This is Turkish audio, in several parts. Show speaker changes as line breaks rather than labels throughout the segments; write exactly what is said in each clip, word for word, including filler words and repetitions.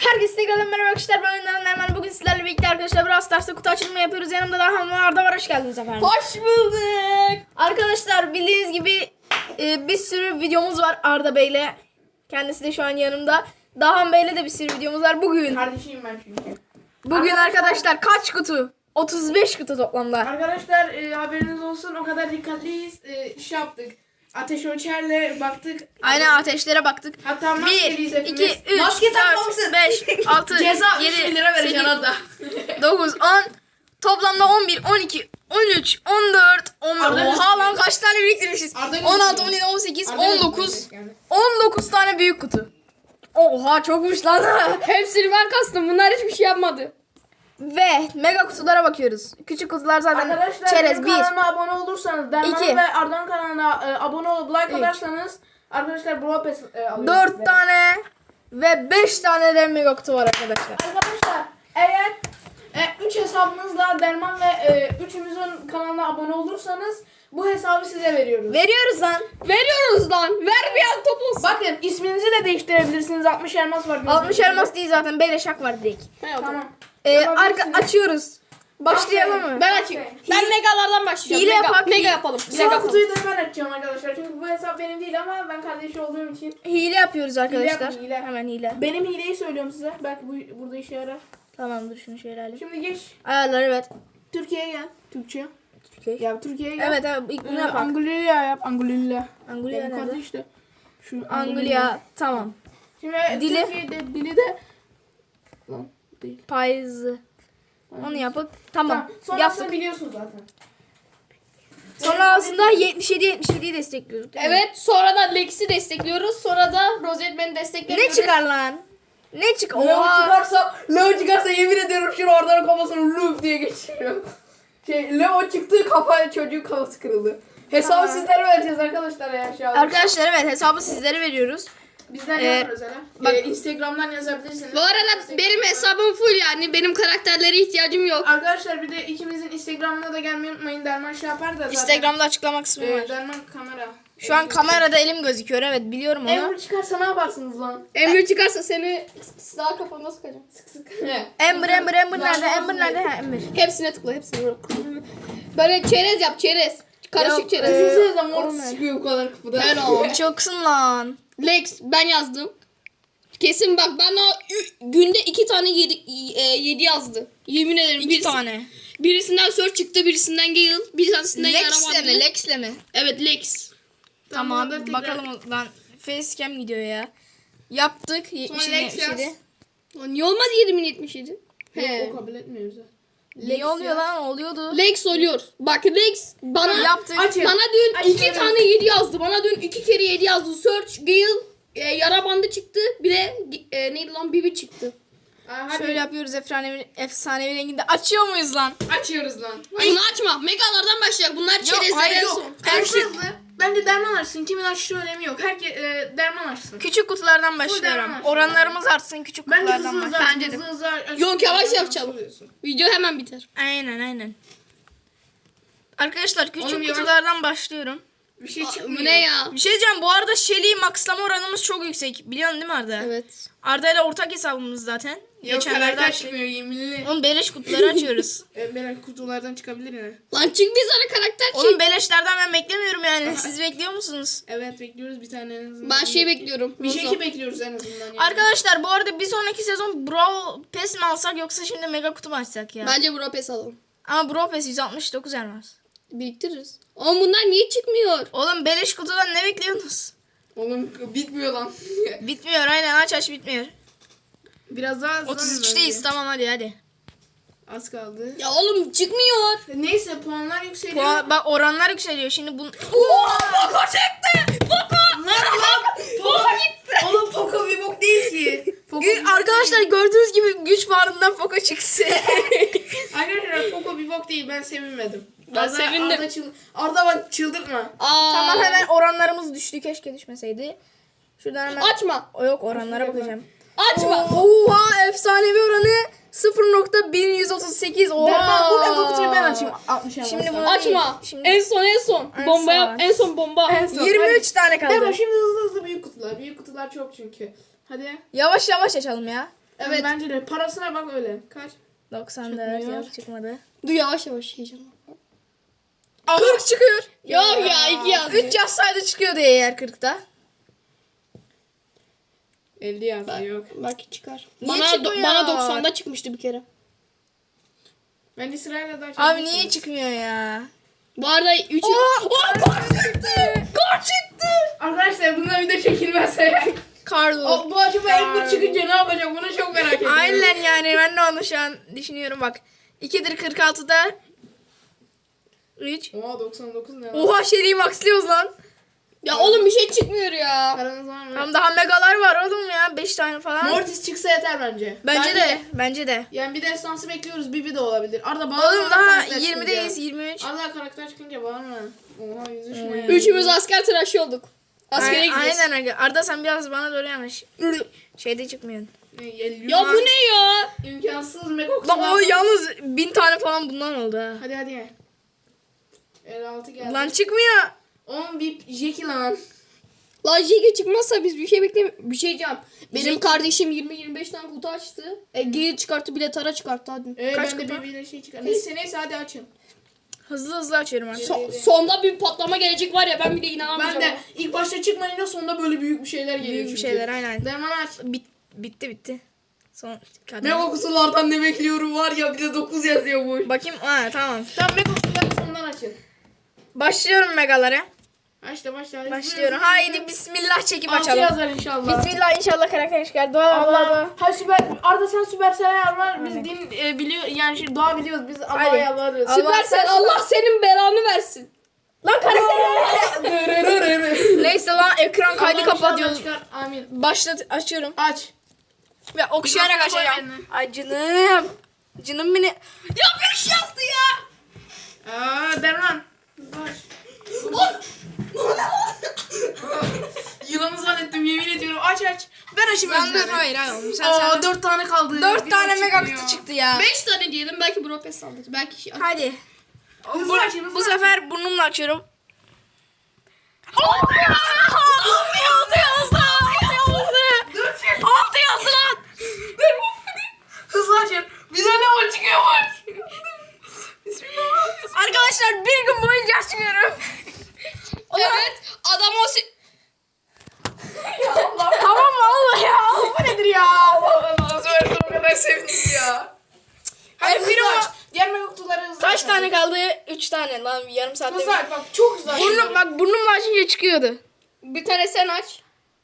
Herkese tekrardan merhaba arkadaşlar. Ben Önder Nerman. Bugün sizlerle birlikte arkadaşlar Brawl Stars'ta kutu açılımı yapıyoruz. Yanımda Dahan ve Arda var. Hoş geldiniz efendim.
Hoş bulduk.
Arkadaşlar bildiğiniz gibi e, bir sürü videomuz var Arda Bey'le. Kendisi de şu an yanımda. Dahan Bey'le de bir sürü videomuz var. Bugün
Kardeşiyim ben çünkü.
Bugün arkadaşlar kaç kutu? otuz beş kutu toplamda.
Arkadaşlar e, haberiniz olsun, o kadar dikkatliyiz. E, şey yaptık. Ateş ölçerle baktık.
Aynen ateşlere baktık.
Hatta
bir,
maskeliyiz hepimiz.
iki, üç,
Maske
dört,
takmamışsın.
beş, altı,
Ceza üç bin
yedi,
lira vereceksin Arda.
dokuz, on. Toplamda on bir, on iki, on üç, on dört, on beş.
Arda
Oha lan kaç tane biriktirmişiz?
Arda
on altı,
gözüküyor.
on yedi, on sekiz,
Arda
on dokuz.
gözüküyor yani.
on dokuz tane büyük kutu. Oha çokmuş lan.
Hepsini ben kastım. Bunlar hiçbir şey yapmadı.
Ve mega kutulara bakıyoruz. Küçük kutular zaten
Arkadaşlar
çerez
benim
bir.
kanalıma abone olursanız, Derman
iki.
ve Arda'nın kanalına e, abone olup like
Üç.
atarsanız arkadaşlar Brawl Pass e, alıyoruz
dört
size.
tane ve beş tane de mega kutu var arkadaşlar.
Arkadaşlar eğer üç hesabınızla Derman ve e, üçümüzün kanalına abone olursanız bu hesabı size veriyoruz.
Veriyoruz lan.
Veriyoruz lan. Vermeyen toplasın.
Bakın isminizi de değiştirebilirsiniz. altmış elmas var.
altmış elmas değil zaten. Beleşak var direkt.
Tamam.
Ee, arka
Yapabilirsiniz.
açıyoruz. Başlayalım mı?
Ben açayım.
Aferin.
Ben megalardan başlayacağım.
Hile
mega,
yapak.
Mega yapalım. Mega
Son
yapalım.
kutuyu da ben açacağım arkadaşlar. Çünkü bu hesap benim değil ama ben kardeşi olduğum için.
Hile yapıyoruz arkadaşlar.
yapın, hile.
Hemen hile.
Benim hileyi söylüyorum size. Belki bu burada işe yarar.
Tamam dur şunu şöyle alayım.
Şimdi geç.
Ayarlar evet.
Türkiye'ye gel. Türkçe.
Türkiye.
Ya Türkiye'ye gel.
Evet evet ilk bunu
Ee,
yapalım.
Angulya yap. Angulya.
Angulya
Benim
nerede?
kardeş de. Şu
Angulya tamam.
Şimdi
Dili?
Türkiye'de dili de. Lan değil.
Payızı. Onu yapıp tamam.
Tamam. Sonrasını
Yaptık.
biliyorsun zaten.
Sonra aslında yetmiş yedi yetmiş yediyi destekliyoruz. değil mi?
Evet. Sonra da Lex'i destekliyoruz. Sonra da Rosetman'i destekliyoruz.
Ne çıkar lan? Ne çık?
Leo
Oha.
çıkarsa, Leo çıkarsa yemin ediyorum şunu oradan kafasını loop diye geçiriyor. Şey, Leo çıktı kafa çocuğun kafası kırıldı. Hesabı
Tamam.
sizlere vereceğiz arkadaşlar ya şu an.
Arkadaşlar evet hesabı sizlere veriyoruz.
Bizden
Ee,
yazın özel.
bak-
Ee, Instagram'dan yazabilirsiniz.
Bu arada benim hesabım full yani. Benim karakterlere ihtiyacım yok.
Arkadaşlar bir de ikimizin Instagram'ına da gelmeyi unutmayın. Derman şey yapar da zaten.
Instagram'da açıklama kısmı
Ee,
var.
Derman kamera.
Şu an kamerada elim gözüküyor evet biliyorum onu.
Emre çıkarsa ne yaparsınız lan?
Emre çıkarsa seni sağ kafana sıkacağım. Sık sık.
Ember Ember Ember
Lan
nerede?
olsun
Ember nerede? Ha Ember.
Hepsine tıkla. Hepsine vur. Böyle çerez yap çerez. Karışık
Yok,
çerez.
e,
Düşünsenize mor
olmaz.
çıkıyor bu kadar kapıda.
Helal.
Çoksun lan.
Lex ben yazdım. Kesin bak ben o ü- günde iki tane yedi, e, yedi yazdı. Yemin ederim.
İki
birisi-
tane.
Birisinden Search çıktı, birisinden Gale, bir tanesinden
Lex'le
Yaraman.
mi? Lex'le mi?
Evet Lex.
Tamam
Tamam, tekrar-
bakalım lan. Facecam gidiyor ya. Yaptık. yetmiş yedi,
Lex
yetmiş yedi.
yaz.
Lan niye olmadı yedi bin yetmiş yedi?
Yok,
He.
o kabul etmiyoruz. ha.
Ne oluyor lan? Oluyordu.
Lex oluyor. Bak Lex bana
Yaptık.
Aç ya.
bana dün
Aç
iki
ya.
tane yedi yazdı. Bana dün iki kere yedi yazdı. Search, Gale, e, yara bandı çıktı. Bir de e, neydi lan Bibi çıktı.
Aa, hadi
Şöyle yapıyoruz efsanevi, efsanevi renginde. Açıyor muyuz lan?
açıyoruz lan.
Bunu açma. Megalardan başlayacak. Bunlar çerezler
hayır,
en
yok.
son.
Karşılıklı. Bence Derman açsın. Kimin açtığı önemi yok. Herkes e, Derman açsın.
Küçük kutulardan başlıyorum.
derman.
Oranlarımız artsın küçük
Bence hızlı
kutulardan
hızlı
başlayalım.
aç, hızlı hızlı aç.
Yok, yavaş
Nasıl
yapacağım.
oluyorsun?
Video hemen biter.
Aynen aynen. Arkadaşlar küçük
Oğlum yavaş-
kutulardan başlıyorum.
Bir şey
Aa,
çıkmıyor.
Bu ne ya?
Bir şey diyeceğim bu arada Shelly maxlama oranımız çok yüksek. Biliyorsun değil mi Arda?
Evet.
Arda ile ortak hesabımız zaten.
Yok
Geçenlerde
karakter
açtık.
çıkmıyor yeminli.
Oğlum beleş kutuları açıyoruz.
E, Merak kutulardan çıkabilir yine.
Lan çık bir tane karakter çık.
Oğlum beleşlerden ben beklemiyorum yani. Siz bekliyor musunuz?
Evet bekliyoruz bir tane en azından.
Ben şey bekliyorum.
Bir şey
Rosa.
ki bekliyoruz en azından yani.
Arkadaşlar bu arada bir sonraki sezon Brawl Pass mi alsak yoksa şimdi mega kutu mu açsak ya?
Bence Bro Pass alalım.
Ama Brawl Pass yüz altmış dokuz elmas.
Biriktiririz. Ama bunlar niye çıkmıyor?
Oğlum beleş kutudan ne bekliyorsunuz?
Oğlum bitmiyor lan.
Bitmiyor aynen aç aç bitmiyor.
Biraz daha hızlanın
otuz üçteyiz
bence.
tamam hadi hadi.
Az kaldı.
Ya oğlum çıkmıyor.
Neyse puanlar yükseliyor.
Puan, bak oranlar yükseliyor şimdi bu.
Poco çıktı. Poco.
Lan lan. Poco gitti. Oğlum Poco bir bok değil ki. Poco bir bok
Arkadaşlar gördüğünüz gibi güç bağrından Poco çıksın.
değil. Arkadaşlar Poco bir bok değil, ben sevinmedim.
Ben
Arda,
sevindim.
Arda, çıl Arda bak çıldırtma.
Aa.
Tamam hemen oranlarımız düştü keşke düşmeseydi. Şuradan hemen.
Açma.
O yok oranlara bakacağım.
Açma.
Oha efsanevi oranı sıfır nokta bin yüz otuz sekiz. Oha.
Derman bu mega kutuyu ben açayım. altmış elmas.
Şimdi bunu
Açma.
Şimdi
En son en son.
En
bomba
son.
yap. En son bomba.
En son.
yirmi üç tane kaldı.
Derman şimdi hızlı hızlı büyük kutular. Büyük kutular çok çünkü. Hadi.
Yavaş yavaş açalım ya.
Evet. Bence de. Parasına bak öyle. Kaç?
doksan dört
Çıkmıyor.
yok çıkmadı.
Dur yavaş yavaş heyecanla.
kırk çıkıyor.
Yok ya iki yazdı.
üç yazsaydı çıkıyordu eğer kırkta.
elli yazdı yok.
Belki çıkar.
Niye
Bana,
çıkmıyor?
do- bana doksanda çıkmıştı bir kere.
Bence sırayla daha çok.
Abi niye çıkmıyor ya?
Bu arada üç...
Oo, kar çıktı. Kar çıktı.
Arkadaşlar bundan video çekilmezse.
Karlı.
O, bu acaba Ember çıkınca ne yapacak? Bunu çok merak ediyorum.
Aynen yani ben de onu şu an düşünüyorum bak. ikidir kırk altıda üç.
Oha doksan dokuz ne lan?
Oha seriyi maxlıyoruz lan.
Ya oğlum bir şey çıkmıyor ya.
Paranız var mı?
Tam daha megalar var oğlum ya. beş tane falan.
Mortis çıksa yeter bence.
Bence de. Bence de.
Yani bir destansı bekliyoruz. Bibi de olabilir. Arda bana
Oğlum
bana
daha
karakter
yirmideyiz.
çıkınca.
yirmi üç.
Arda karakter çıkınca bana mı? Oha yüz üç ne?
Üçümüz asker tıraşı olduk. Askere
Ay-
gidiyoruz.
Aynen aga. Arda sen biraz bana doğru yanaş. Şeyde çıkmıyorsun.
Ne, elli
Ya bu ne ya?
İmkansız Megox.
Lan o yalnız bin tane falan bundan oldu ha.
Hadi hadi. elli altı geldi.
Lan çıkmıyor.
on bip Jackie lan.
Lan Jiggy çıkmazsa biz bir şey beklemiyoruz. Bir şey diyeceğim. Benim kardeşim yirmi yirmi beş tane kutu açtı. Ege'yi çıkarttı bile tara çıkarttı hadi.
Ee,
Kaç
ben de
kupa?
birbirine şey çıkar. Neyse neyse hadi açın.
Hızlı hızlı açıyorum artık.
So- sonda bir patlama gelecek var ya ben bile inanamayacağım.
Ben de ilk başta çıkmayınca sonunda böyle büyük bir şeyler geliyor
Büyük bir
çünkü.
şeyler aynen.
Derman aç.
Bit, bitti bitti. Son kadın.
Megox'lardan ne bekliyorum var ya bir de dokuz yazıyor bu.
Bakayım. Ha tamam.
Tamam Megox'ları sondan açın.
Başlıyorum megalara.
Başla başla.
Başlıyorum. Haydi bismillah çekip
Altı
açalım.
yazar inşallah.
Bismillah inşallah karakter çıkar. Dua Allah
Allah.
dua.
Ha süper. Arda sen Süpersel'e yalvar. Biz din e, biliyor yani şey doğa biliyoruz. Biz Allah'a
Hadi.
yalvarırız.
Allah
Süpersen
sen-
Allah senin belanı versin.
Lan karakter. Neyse lan ekran kaydı
Allah
kapatıyoruz.
inşallah çıkar. Amin.
Başlat açıyorum.
Aç.
Ve okşayarak
Mikrofonu koy
açacağım.
eline.
Ay canım. Canım beni. Ya beş yazdı ya.
Aa Derman. Baş. Yılanı zannettim yemin ediyorum. Aç aç. Ben açayım
Ben dur
önce.
hayır hayır oğlum sen
Aa
sen.
dört tane kaldı.
Dört
Bir
tane
de
mega
çıkmıyor.
kutu çıktı ya.
Beş tane diyelim belki Bropes saldırır. Belki şey
Hadi.
Hızlı
Bu,
aç, hızlı
bu
aç.
sefer burnumla açıyorum. Altı yazdı. Altı yazdı. Altı yazdı.
Dört şey.
Altı yazdı lan.
Hızlı açın. Bize ne var çıkıyor var. Bismillah.
Arkadaşlar bir gün boyunca açmıyorum.
Evet adam o si-
Tamam mı Allah ya? Bu nedir ya?
Allah Allah. Söyle o kadar sevindim ya. Hayır
Ay,
bir
bir
aç. Diğer megaktuları hızlı
Kaç
aç.
tane kaldı? Üç tane lan yarım saatte.
Hızlı aç bak çok hızlı aç.
Burnum bak burnumla açınca çıkıyordu.
bir tane sen aç.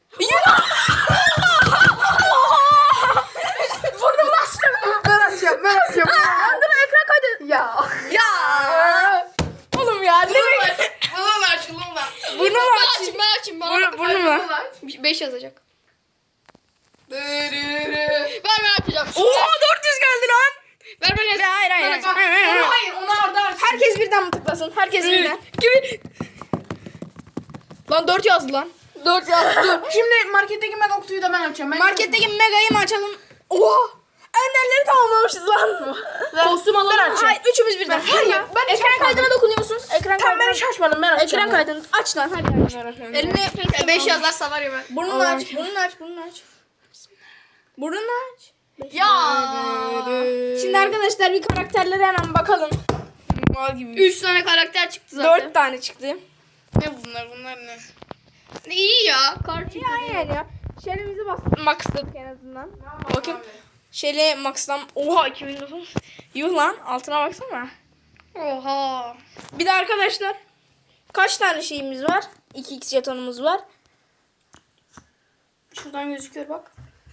Burnumla açtım.
Ben açacağım ben açacağım.
Dur ekran kaydı.
Ya.
Ya. Oğlum ya ne demek?
Bana da aç ulan da.
Burnumla
Ben
aç.
açayım ben açayım. Bana
Burnu- Burnumla.
beş yazacak.
Dırırı.
Ver ben açacağım.
Oha dört yüz geldi lan.
Ver ben açayım.
Hayır hayır.
Bak,
hayır. hayır, hayır.
onu hayır onu Arda aç.
Herkes birden mi tıklasın? Herkes birden. Gibi. Lan dört yazdı lan.
Dört yaz dur. Şimdi marketteki mega kutuyu da ben açacağım. Ben
Marketteki megayı mı açalım? Oha. Enderleri tamamlamışız lan.
kostüm alalım mı?
Hayır üçümüz birden.
Ben- hayır, ben hiç
ekran
açmadım.
kaydına dokunuyorsun. Ekran
Tamam ben
kaydına.
hiç açmadım ben açacağım.
Ekran kaydını aç lan hadi. Eline
beş yazarsa var ya ben.
burnunu
Allah'ım.
aç. Burnunu aç. Burnunu aç. Burnunu aç.
Ya.
Şimdi arkadaşlar bir karakterlere hemen bakalım. Mal gibi.
Üç tane karakter çıktı zaten.
Dört tane çıktı.
Ne bunlar bunlar ne?
İyi ya. Kar çıktı.
Ya yani ya. Şelimizi bastık. Maxladık en azından. Bakın. Şeli maxlam. Oha iki bin dokuz. Yuh lan altına baksana.
Oha.
Bir de arkadaşlar. Kaç tane şeyimiz var? iki x jetonumuz var. Şuradan gözüküyor bak.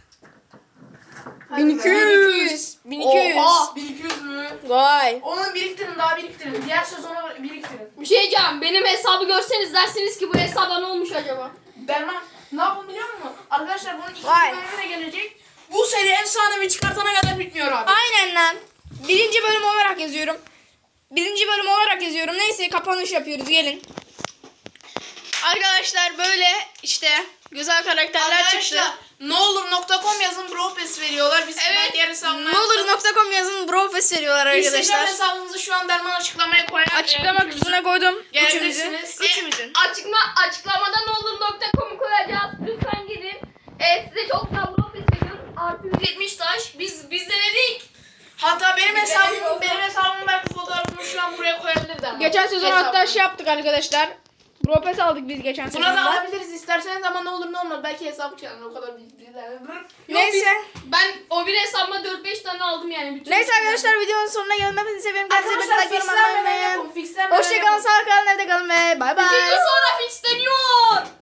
bin iki yüz. bin iki yüz.
Oha. bin iki yüz mü?
Vay.
Onu biriktirin daha biriktirin. Diğer sezona biriktirin.
Bir şey diyeceğim. Benim hesabı görseniz dersiniz ki bu hesaba ne olmuş acaba?
Derman ne yapın biliyor musun? Arkadaşlar bunun ikinci
Vay.
bölümü de gelecek. Bu seri efsanevi çıkartana kadar bitmiyor abi.
Aynen lan. Birinci bölüm olarak yazıyorum. Birinci bölüm olarak yazıyorum. Neyse kapanış yapıyoruz gelin. Arkadaşlar böyle işte güzel karakterler çıktı.
Arkadaşlar ne olur nokta com yazın Bropes veriyorlar. Biz
Evet.
ben diğer hesabıma
Ne olur nokta com yazın Brofest veriyorlar
Instagram
arkadaşlar.
hesabımızı şu an Derman açıklamaya koyar.
Açıklama
Ee,
kısmına koydum.
Gelebilirsiniz.
Üçümüzün. Üçümüzün.
Açıkma, açıklamada ne olur nokta com'u koyacağız. Lütfen gidin. Ee, size çok güzel Bropes veriyoruz. artı yüz yetmiş taş. Biz biz denedik.
Hatta benim hesabım, benim hesabımın belki fotoğrafını şu an buraya koyabilirdi ama.
Geçen sezon
Hesabım.
hatta şey yaptık arkadaşlar. Bropes aldık biz geçen
Buna da
sezonda.
alabiliriz isterseniz ama ne olur ne olmaz. Belki hesabı çalın o kadar bir
Neyse.
Ben o bir hesabıma dört beş tane aldım yani. Bütün
Neyse arkadaşlar videonun sonuna geldim. Hepinizi seviyorum. Kendinize
Arkadaşlar
bakın.
fixlenmeden
Unutmayın.
yapın. Fixlenmeden
Hoşçakalın.
yapın.
Sağ kalın. Evde kalın ve bay bay.
sonra fixleniyor.